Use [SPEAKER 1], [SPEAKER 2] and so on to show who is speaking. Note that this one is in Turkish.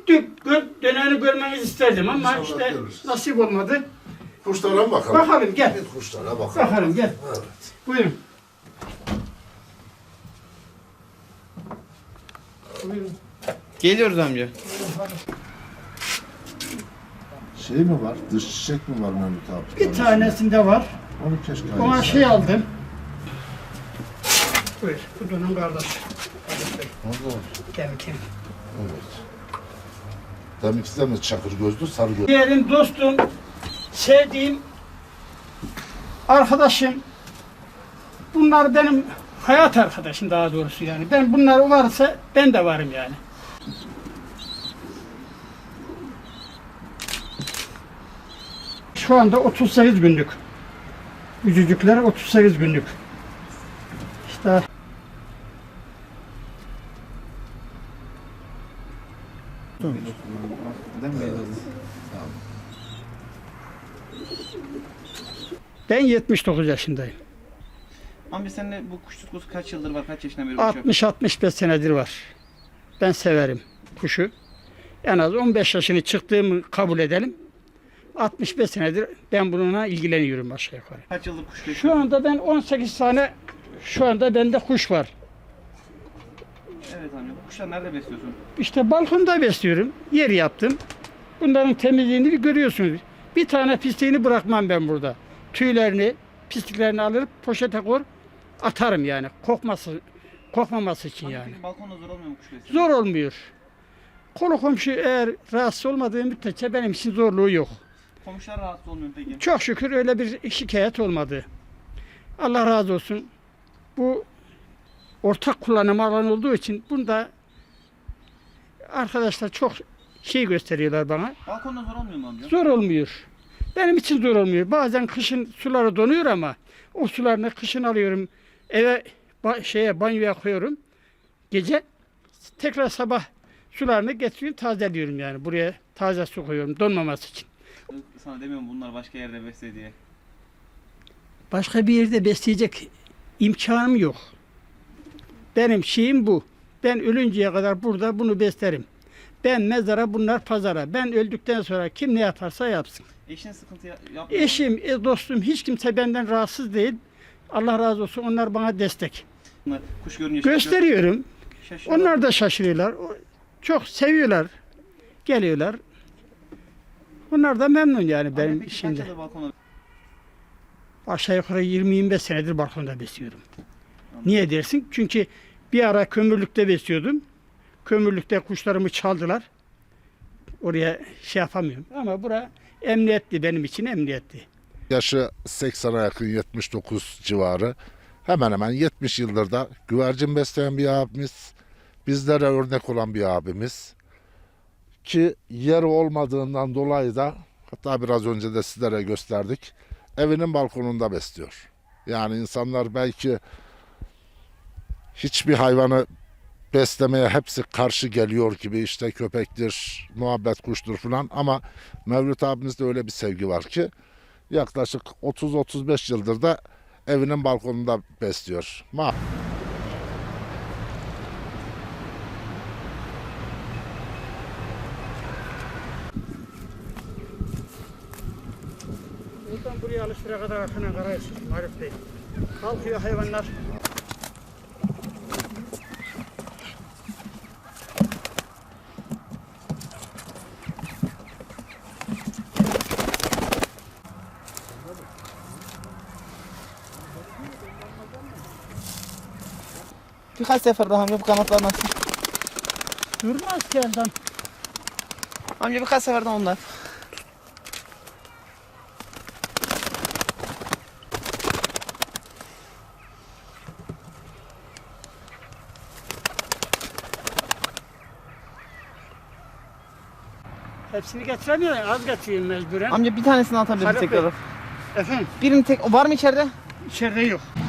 [SPEAKER 1] döneni görmenizi isterdim ama
[SPEAKER 2] İnşallah
[SPEAKER 1] işte
[SPEAKER 2] görürüz.
[SPEAKER 1] nasip olmadı.
[SPEAKER 2] Kuşlara mı bakalım?
[SPEAKER 1] Bakalım gel.
[SPEAKER 2] Git kuşlara bakalım.
[SPEAKER 1] Bakalım gel.
[SPEAKER 2] Evet.
[SPEAKER 1] Buyurun. Buyurun.
[SPEAKER 3] Geliyoruz amca.
[SPEAKER 2] Şey mi var? Dış çiçek mi var Mehmet abi?
[SPEAKER 1] Bir tanesinde var.
[SPEAKER 2] Onu keşke
[SPEAKER 1] Ona
[SPEAKER 2] ayırsak.
[SPEAKER 1] şey aldım. Buyur. Bu dönem kardeş.
[SPEAKER 2] Orada.
[SPEAKER 1] Gel.
[SPEAKER 2] Evet. Demek de mi çakır gözlü, sarı gözlü?
[SPEAKER 1] Diğerim dostum, sevdiğim arkadaşım. Bunlar benim hayat arkadaşım daha doğrusu yani. Ben bunlar varsa ben de varım yani. Şu anda 38 günlük. Yüzücükler 38 günlük. İşte ben 79 yaşındayım.
[SPEAKER 3] Amca seninle bu kuş tutkusu kaç yıldır var? Kaç yaşından beri uçuyor?
[SPEAKER 1] 60-65 senedir var. Ben severim kuşu. En az 15 yaşını çıktığımı kabul edelim. 65 senedir ben bununla ilgileniyorum aşağı yukarı.
[SPEAKER 3] Kaç yıldır kuş
[SPEAKER 1] Şu
[SPEAKER 3] besliyorsun?
[SPEAKER 1] anda ben 18 tane şu anda bende kuş var.
[SPEAKER 3] Evet amca. Bu kuşları nerede besliyorsun?
[SPEAKER 1] İşte balkonda besliyorum. Yer yaptım. Bunların temizliğini bir görüyorsunuz. Bir tane pisliğini bırakmam ben burada. Tüylerini, pisliklerini alır, poşete koyar, atarım yani. Kokmaması için
[SPEAKER 3] Amca
[SPEAKER 1] yani.
[SPEAKER 3] peki balkonda zor olmuyor mu kuş beslemek?
[SPEAKER 1] Zor olmuyor. Konu komşu eğer rahatsız olmadığı müddetçe benim için zorluğu yok.
[SPEAKER 3] Komşular rahatsız olmuyor mu peki?
[SPEAKER 1] Çok şükür öyle bir şikayet olmadı. Allah razı olsun. Bu ortak kullanım alanı olduğu için bunda arkadaşlar çok şey gösteriyorlar bana.
[SPEAKER 3] Balkonda zor olmuyor mu amca?
[SPEAKER 1] Zor olmuyor. Benim için zor olmuyor. Bazen kışın suları donuyor ama o sularını kışın alıyorum. Eve banyoya koyuyorum. Gece tekrar sabah sularını getiriyorum, tazeliyorum yani. Buraya taze su koyuyorum donmaması için.
[SPEAKER 3] Sana demiyorum bunlar başka yerde besle diye.
[SPEAKER 1] Başka bir yerde besleyecek imkanım yok. Benim şeyim bu. Ben ölünceye kadar burada bunu beslerim. Ben mezara, bunlar pazara. Ben öldükten sonra kim ne yaparsa yapsın.
[SPEAKER 3] Eşin sıkıntı yapmıyor mu?
[SPEAKER 1] Eşim, dostum hiç kimse benden rahatsız değil. Allah razı olsun, onlar bana destek.
[SPEAKER 3] Bunlar kuş görünce
[SPEAKER 1] Gösteriyorum.
[SPEAKER 3] şaşırıyor.
[SPEAKER 1] Onlar da şaşırıyorlar. Çok seviyorlar. Geliyorlar. Onlar da memnun yani
[SPEAKER 3] Amca
[SPEAKER 1] benim
[SPEAKER 3] peki kaç
[SPEAKER 1] işimde.
[SPEAKER 3] yıldır balkonda?
[SPEAKER 1] Aşağı yukarı 20-25 senedir balkonda besliyorum. Niye dersin? Çünkü bir ara kömürlükte besliyordum. Kömürlükte kuşlarımı çaldılar. Oraya şey yapamıyorum. Ama bura emniyetli, benim için emniyetli.
[SPEAKER 2] Yaşı 80'a yakın 79 civarı. Hemen hemen 70 yıldır da güvercin besleyen bir abimiz. Bizlere örnek olan bir abimiz. Ki yer olmadığından dolayı da hatta biraz önce de sizlere gösterdik. Evinin balkonunda besliyor. Yani insanlar belki hiçbir hayvanı beslemeye hepsi karşı geliyor gibi işte köpektir, muhabbet kuştur falan ama Mevlüt abimizde öyle bir sevgi var ki yaklaşık 30-35 yıldır da evinin balkonunda besliyor.
[SPEAKER 1] Buradan buraya alıştıra kadar arkana karayız. Marif Bey. Kalkıyor hayvanlar.
[SPEAKER 3] Birkaç sefer daha amca bu kanatlar nasıl?
[SPEAKER 1] Durmaz ki elden.
[SPEAKER 3] Amca birkaç seferden onlar.
[SPEAKER 1] Hepsini getiremiyorum. Az getiriyorum mecburen.
[SPEAKER 3] Amca bir tanesini atabiliriz
[SPEAKER 1] Haluk Bey.
[SPEAKER 3] tekrar.
[SPEAKER 1] Efendim,
[SPEAKER 3] Birini tek var mı içeride?
[SPEAKER 1] içeride yok.